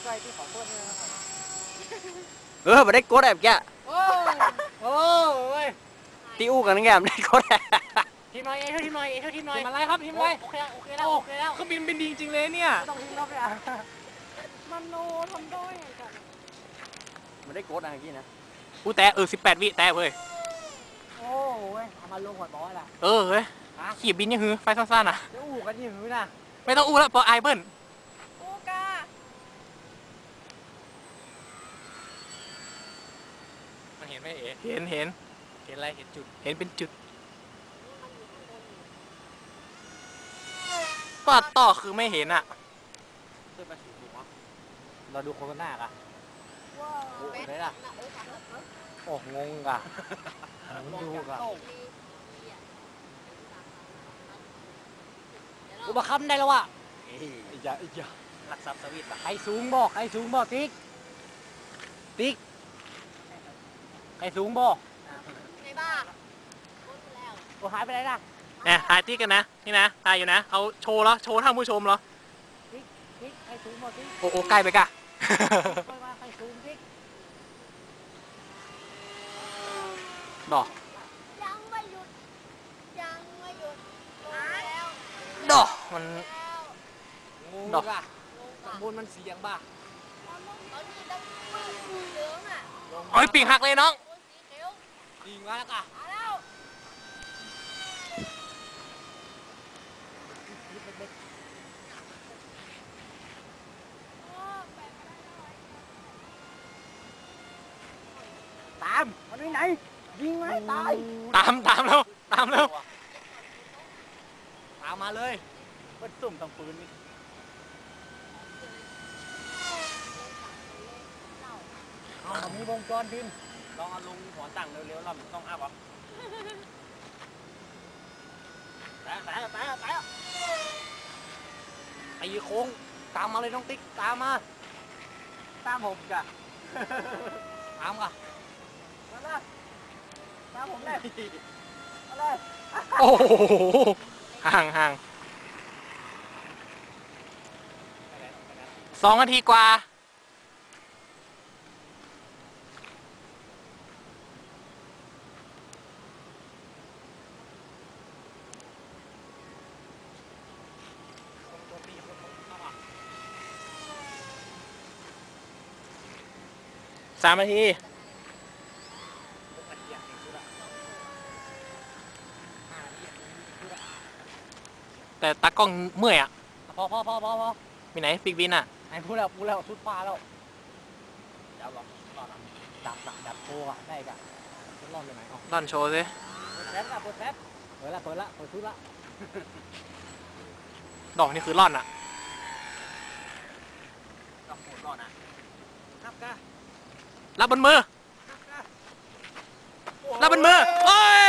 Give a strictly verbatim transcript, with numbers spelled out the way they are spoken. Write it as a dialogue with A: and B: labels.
A: ใจที่ขอโทษเนี่ย
B: เออมาได้โกดแบบแก
A: โอ้โอ้ย
B: ตีอู้กันแกไม่ได้โกด
A: ทีมหน่อยเอเท่าทีมหน่อยเอเท่าทีมหน่อยทีมอะไรครับทีมอะไรโอเคโอเคแล้วโอเคแล้ว
C: เครื่องบินเป็นดีจริงเลยเนี่ย
A: ต้องทีมรอบเลยอ่ะมันโนทำได้ไงกัน
B: มาได้โกดอะไรกี้นะ
C: อู้แต่เออสิบแปดวิแต่เว้ย
A: โอ้ยเอามาลงหัวบอสอ่ะ
C: เออเฮ้ยขี่บินยังหือไฟสั้นๆอ่ะ
A: จะอู้กันยังหือนะ
C: ไม่ต้องอู้แล้วพอไอเบิ้ล
A: อู้กา
C: มันเห็นไหมเอ๋เห็นเห็นเห็นอะไรเห็นจุดเห็นเป็นจุดก็ต่อคือไม่เห็นอ่ะ
B: ขึ้นมาสูงหัว
A: เราดูโฆษณาอ่ะ
B: โอ้ยได้ละ
A: โอ้งงอ่ะดูอ่ะอุปคำได้แล้วอ่ะ
B: อีกอย่างอีกอย่างหลักทรัพย์สวิต
A: ใครสูงบอกใครสูงบอกติ๊กติ๊กใครสูงบอกในบ้านโอ้หายไปไหนล่ะ
C: เนี่ยถ่ายติ๊กกันนะนี่นะถ่ายอยู่นะเอาโชว์แล้วโชว์ท่านผู้ชมเหรอ
A: ติ๊กติ๊กใครสูงบอกติ๊ก
C: โอ้โอ้ใกล้ไปกะ
A: ใครสูงติ๊ก
C: ดอก
D: ยังไม่หยุดยังไม่หยุดแล้ว
C: ดอกมัน
A: ดอกอะข้างบนมันเสียงบ้า
D: ตอนนี้ต้องมือเหลืองอ่ะ
C: โอ้ยปีกหักเลยน้อง
D: สีเขียว
A: ยิงมาแล้วค่ะ
D: มาแล้ว
A: ตามมันไปไหนยิงไหมตาย
C: ตามตามแล้วตามแล้ว
A: ตามมาเลยเป็นสุ่มทางปืนนี่เอามีวงจรพิน
B: ลองเอาลงหัวตั้งเร็วๆเราต้องอัพอ่ะแต่แต่แต่แต่
A: ไอ้โค้งตามมาเลยน้องติ๊กตามมาตามผมจ้ะตามกันมาเลยตามผมเลยมาเลย
C: โอ้โหห่างห่างสองนาทีกว่าสามนาทีแต่ตากล้องเมื่อยอ่ะ
A: พอพอพอพอพอ
C: มีไหนปีกบินอ่ะ
A: ไอ้พูดแล้วพูดแล้วชุดฟ้าแล้วเดี๋ยวบอกก่อนดับดับดับโชว์อ่ะได้กันรอบเลยไหม
C: ดอนโชว์สิ
A: เปิดแป๊บเปิดแป๊บเปิดละเปิดละเปิดชุดละ
C: ดอกนี่คือร่อนอ่ะ
B: ดอกโหดร่อนอ่ะ
A: ครับกะ
C: รับบนมือรับบนมือโอ้ย